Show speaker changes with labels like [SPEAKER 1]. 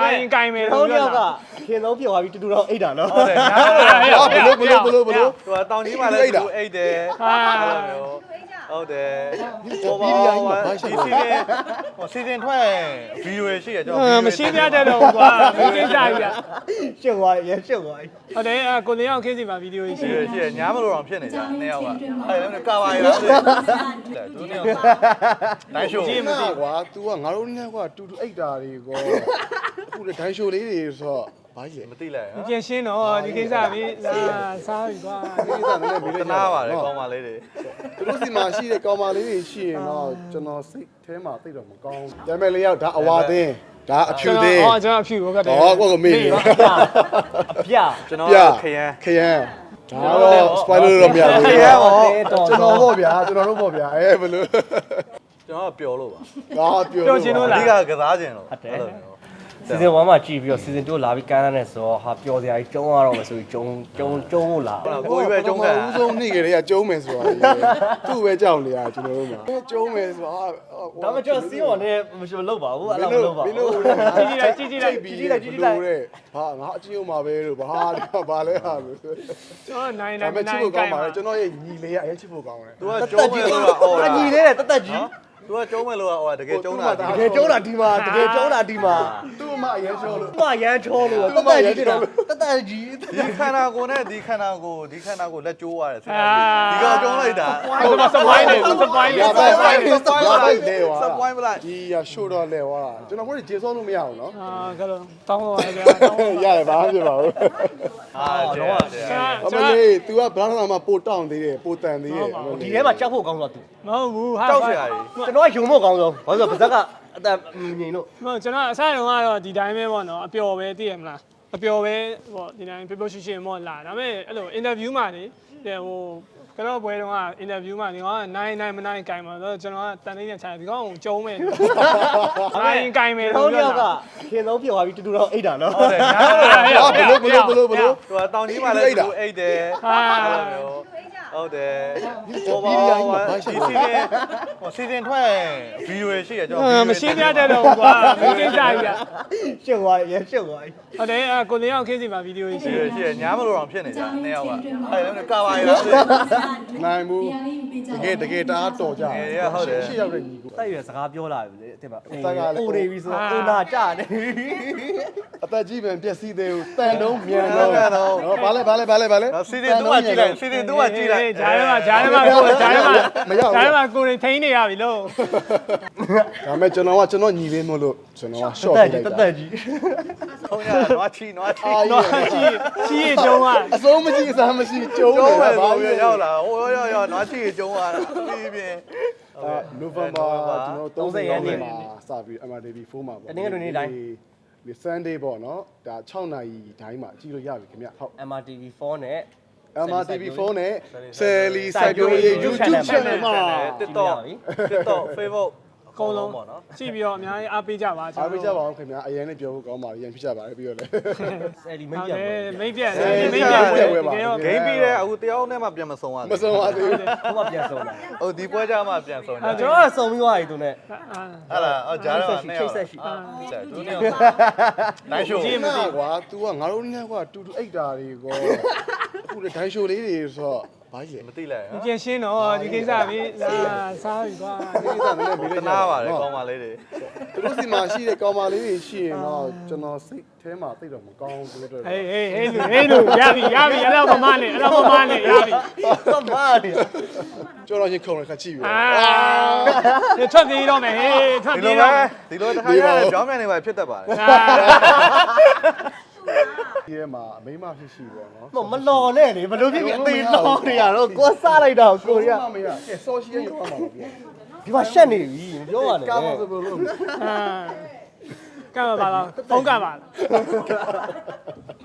[SPEAKER 1] ရင်ကင်မယ်
[SPEAKER 2] တော့တယောက်ကခင်ဆုံးပြောသွားပြီးတူတူတော့အိတ်တာနော်
[SPEAKER 3] ဟုတ်တယ်ညာ
[SPEAKER 4] ဘလို့
[SPEAKER 3] သူကတောင်ကြီးမှလည်းသူအိတ်တယ်ဟုတ်တယ်ဟိုပါစီစဉ်ထွက်ဗီဒီယိုတွေရှိရကျွန်တော်
[SPEAKER 1] မရှင်းပြတတ်တော့ဘူးကွာမင်းကိစ္စကြီးอ่ะ
[SPEAKER 2] ရှုပ်သွားရရှုပ်သွား
[SPEAKER 1] ဟုတ်တယ်ကိုလင်းအောင်ခင်းစီမှာဗီဒီယိုရှိ
[SPEAKER 3] ရှိရညာမလို့တော့ဖြစ်နေကြနှစ်ယောက်ကအဲ့ဒါကာပါရလားသူနှစ်ယောက်နိုင်ရှိုး
[SPEAKER 4] ကြည့်မသိကွာ तू ကငါတို့နဲ့ကွာတူတူအိတ်တာတွေကောအခုဒိုင်းရှိုးလေးတွေဆိုတော့ဘာကြီးလဲ
[SPEAKER 3] မသိလိုက်ဟမ်
[SPEAKER 1] ပြင်ရှင်းတော့ဒီကိစ္စပြီစားပြီကွာ
[SPEAKER 4] ဒီကိစ္စနည်းနည်းမေး
[SPEAKER 3] တ
[SPEAKER 4] လိုက်
[SPEAKER 3] နာပါတယ်ကောင်းပါလေးတွေ
[SPEAKER 4] သူတို့စီမှာရှိတဲ့ကောင်မလေးတွေရှိရင်တော့ကျွန်တော်စိတ်ထဲမှာသိတော့မကောင်းဘူးဒါပေမဲ့လေးယောက်ဒါအဝါသင်းဒါအဖြူသင်း
[SPEAKER 1] ဟောကျွန်တော်အဖြူဟုတ်ကဲ့
[SPEAKER 4] ဟောကိုကမေးနေ
[SPEAKER 2] အပြ
[SPEAKER 3] ကျွန်တော်ခရမ်း
[SPEAKER 4] ခရမ်းဒါတော့ spoiler တော့မရဘူး
[SPEAKER 3] ခရမ်းပေါ့
[SPEAKER 4] ကျွန်တော်ပေါ့ဗျာကျွန်တော်တို့ပေါ့ဗျာဘယ်လို
[SPEAKER 3] ကျွန်တော်ပျော်လို့ပါ
[SPEAKER 4] ငါပြော
[SPEAKER 1] ပြောချင်းလို့
[SPEAKER 3] အ
[SPEAKER 1] လား
[SPEAKER 3] ဓိကကစားခြင်းလို့
[SPEAKER 2] စီဇန်1မှာကြည့်ပြီးတော့စီဇန်2လာပြီးကမ်းတဲ့ဆိုတော့ဟာပျော်စရာကြီးကျုံးရတော့မယ်ဆိုပြီးကျုံဖို့လာ
[SPEAKER 3] ကိုကြီးပဲကျုံးခံ
[SPEAKER 4] ဦးဆုံးနေ့ကလေးကကျုံးမယ်ဆိုတာသူ့ပဲကြောက်နေရကျွန်တော်တို့မှာကျုံးမယ်ဆိုတာ
[SPEAKER 2] ဒါမှကျွန်တော်စီးော်နဲ့မရှိလုပ်ပါဘူးအဲ့လိုမလုပ်ပါဘူး
[SPEAKER 1] ကြည့်လိုက်
[SPEAKER 4] ဟာငါအချင်းအောင်ပါပဲလို့ဘာလဲဟာလို့
[SPEAKER 1] ကျွန်တော်နိုင်
[SPEAKER 4] ဒါ
[SPEAKER 1] နိုင်
[SPEAKER 4] ပေမဲ့ချစ်
[SPEAKER 1] နိုင်
[SPEAKER 4] ဖို့
[SPEAKER 1] က
[SPEAKER 4] ကော
[SPEAKER 1] င်
[SPEAKER 4] င်းပါ
[SPEAKER 1] ပါ
[SPEAKER 4] တယ်ကျွန်တော်ရဲ့ညီလေးကအရင်ချစ်ဖို့ကောင်းတယ်
[SPEAKER 3] သူကကျုံးမယ်လို့အော်
[SPEAKER 2] အညီလေးတဲ့တသက်ကြီး
[SPEAKER 3] သူကကျုံးမယ်လို့အော်တကယ်ကျုံးတာ
[SPEAKER 2] တကယ်ကျုံးတာဒီမှာတကယ်ကျုံးတာဒီမှာ
[SPEAKER 4] သူ့အမအရင်ချောလို့
[SPEAKER 2] မရမ်းချောလို့တသက်ကြီးတသက်ကြီး
[SPEAKER 3] ဒီခန္ဓာကိုယ်နဲ့ဒီခန္ဓာကိုယ်လက်ကျိုးရတယ်ဆိုတော့ဒီကောင်ကျုံးလိုက်တာ
[SPEAKER 1] ဟိုမှာစပွိုင်းနေစပွိုင်းနေစပွိုင်းနေ
[SPEAKER 3] စပွိုင်းပလိုက်
[SPEAKER 4] ဒီရရှို့တော့လဲဝါကျွန်တော်ကိုကျေစောလို့မရအောင်နော်
[SPEAKER 1] ကဲလို့တောင်းတော့ရတယ်
[SPEAKER 4] ရတယ်ဘာမှမဖြစ်ပါဘူး
[SPEAKER 3] ဟာတော့
[SPEAKER 4] အမလေး तू ကဘလောက်မှပို့တောင်းသေးတယ်ပို့တန်သေးတယ်
[SPEAKER 2] ဒီထဲမှာကြောက်ဖို့ကောင်းတော့သူ
[SPEAKER 1] မဟုတ်ဘူးဟာ
[SPEAKER 3] ကြောက်စရာကြီး
[SPEAKER 2] ကျွန်တော်ကယုံဖို့ကောင်းဆုံးဘာလို့ဆိုပါဇက်ကအတငြိမ်လို့
[SPEAKER 1] မဟုတ်ကျွန်တော်အဆိုင်တော့ကတော့ဒီတိုင်းပဲပေါ့နော်အပျော်ပဲသိရမလားအပျော်ပဲပေါ့ဒီတိုင်းပျော်ရွှင်ရွှင်ပေါ့လာဒါပေမဲ့အဲ့လိုအင်တာဗျူးမှာနေဟိုကတော့ပွဲတုန်းကအင်တာဗျူးမှာဒီကောင်ကနိုင်မနိုင်ကင်ပါတော့ကျွန်တော်ကတန်လေးနဲ့ခြာဒီကောင်ကိုကျုံးမယ်နိုင်ကင်မယ်
[SPEAKER 2] တော့တယောက်ကခင်ဆုံးပြောသွားပြီးတူတူတော့အိတ်တာနော်
[SPEAKER 3] ဟုတ်တယ်ညာ
[SPEAKER 4] ဘလို့
[SPEAKER 3] သူကတောင်ကြီးမှလည်းသူအိတ်တယ်ဟုတ်တယ်ဟိုပါစီစဉ်ထွက်ဗီဒီယိုတွေရှိရကျွန်တော်
[SPEAKER 1] မရှင်းပြတတ်တော့ဘူးကွာမင်းကိစ္စကြီးอ่ะ
[SPEAKER 2] ရှုပ်သွားရရှုပ်သွား
[SPEAKER 1] ဟုတ်တယ်ကိုလင်းအောင်ခင်းစီမှာဗီဒီယိုရှိ
[SPEAKER 3] ရှိရညာမလို့တော့ဖြစ်နေကြနှစ်ယောက်ကအဲ့ဒါကာပါရလား
[SPEAKER 4] နိုင်ဘူးတကယ်တအားတော်ကြရှေ့ရောက်တဲ့ညီကို
[SPEAKER 2] တိုက်ရစကားပြောလာပြီလေအစ်မအိုနေပြီဆိုအိုနာကြတယ်
[SPEAKER 4] အသက်ကြီးပဲပျက်စီးသေးဘူးတန်တုံးမြန်တော့နော်ဘာလဲ
[SPEAKER 3] စီစဉ်သူကကြည့်လိုက်စီစဉ်သူကကြည့်လိုက်
[SPEAKER 1] ဂျားထဲမှာကိုရင်ထိန်းနေရပြီလို့
[SPEAKER 4] ဒါမဲ့ကျွန်တော်ညီလေးမို့လို့ကျွန်တော်က short ပြလိုက်တာ
[SPEAKER 2] တက်ကြီး
[SPEAKER 3] ဟုတ်ရနွားချီ
[SPEAKER 1] ချီးကျုံးอ่ะ
[SPEAKER 4] အစိုးမကြီးအစားမရှိကျုံး
[SPEAKER 3] ကျုံး
[SPEAKER 4] တယ်
[SPEAKER 3] မယ်
[SPEAKER 4] ဘာ
[SPEAKER 3] လို့
[SPEAKER 4] လို့
[SPEAKER 3] ရောက်လာဟိုရောနွားချီကျုံးလာပြီးပြင်
[SPEAKER 4] နိုဝင်ဘာကျွန်တော်30ရက်နေ့မှာစပြီး MRTV4 မှာပေါ့ဒီ Sunday ပေါ့နော်ဒါ6နာရီတိုင်းမှာကြည့်လို့ရပြီခင်ဗျဟုတ်
[SPEAKER 2] MRTV4 နဲ့
[SPEAKER 4] MRTV4 နဲ့ Sally Cycle YouTube channel မှာ
[SPEAKER 3] TikTok Facebook
[SPEAKER 1] အကုန်လုံးပေါ့နော်ကြည့်ပြီးတော့အများကြီးအားပေးကြပါ
[SPEAKER 4] အားပေးကြပါအောင်ခင်ဗျာအရင်နဲ့ပြောဖို့ကောင်းပါပြီရန်ဖြစ်ကြပါလေပြီးတော့လေ
[SPEAKER 2] ဆယ်လီမိတ်
[SPEAKER 1] ဟုတ်
[SPEAKER 2] ပြ
[SPEAKER 1] တယ်မိတ်ပြ
[SPEAKER 3] ဂိမ်းပြီးတဲ့အခုတယောက်နဲ့မှပြန်မဆုံးရ
[SPEAKER 4] မဆုံးပါသေးဘူး
[SPEAKER 2] ဟိုမှပြန်ဆုံးတာ
[SPEAKER 3] ဟုတ်ဒီပွဲကြမှာပြန်ဆုံးတယ်
[SPEAKER 2] ကျွန်တော်ကစုံပြီးသွားပြီသူနဲ့
[SPEAKER 3] ဟာလားဂျားတော့နှစ်ယောက်သူနှစ်ယောက်နိုင်ရှိုး
[SPEAKER 4] ကြည့်မသိကွာ तू ကငါတို့နဲ့ကွာတူတူအိတ်တာတွေကောအခုဒိုင်းရှိုးလေးတွေဆိုတော့ဘာကြီးလဲ
[SPEAKER 3] မသိလိုက်ဟမ်
[SPEAKER 1] ပြင်ရှင်းတော့ဒီကိစ္စပြီစားပြီကွာ
[SPEAKER 4] ဒီကိစ္စနည်းနည်းမေး
[SPEAKER 3] တ
[SPEAKER 4] လိုက်
[SPEAKER 3] နာပါတယ်ကောင်းပါလေးတွေ
[SPEAKER 4] သူတို့စီမှာရှိတဲ့ကောင်မလေးတွေရှိရင်တော့ကျွန်တော်စိတ်ထဲမှာသိတော့မကောင်းဘူးတို့
[SPEAKER 1] ဟေးလူရပြီအဲ့တော့မမနဲ့ရပြီ
[SPEAKER 2] တော့မာနေ
[SPEAKER 4] ကျွန်တော်ရင်ခုံရခချိပြီ
[SPEAKER 1] ဒီထွက်ပြေးတော့မယ်ဟေးထွက်
[SPEAKER 3] ဒီ
[SPEAKER 1] ပြေး
[SPEAKER 3] လို
[SPEAKER 1] တော့
[SPEAKER 3] ပဲဒီလိုတစ်ခါရတယ်ကြောင်းမြန်နေပါဖြစ်တတ်ပါတယ်
[SPEAKER 4] ဒီထဲမှာအမိမဖြစ်ရှိပေါ့နော်
[SPEAKER 2] မလော်နဲ့လေဘလို့ဖြစ်ဖြစ်အသေးလော်နေရတော့ကိုယ်စားလိုက်တော့ကိုရ
[SPEAKER 4] မရဆော်ရှိရရုံမှာမပြော
[SPEAKER 2] ဒီမှာရှက်နေပြီမပြောရနဲ့
[SPEAKER 4] ကားမဆိုလို့
[SPEAKER 1] ကမ်းပါလားဖုန်းကမ်းပါလား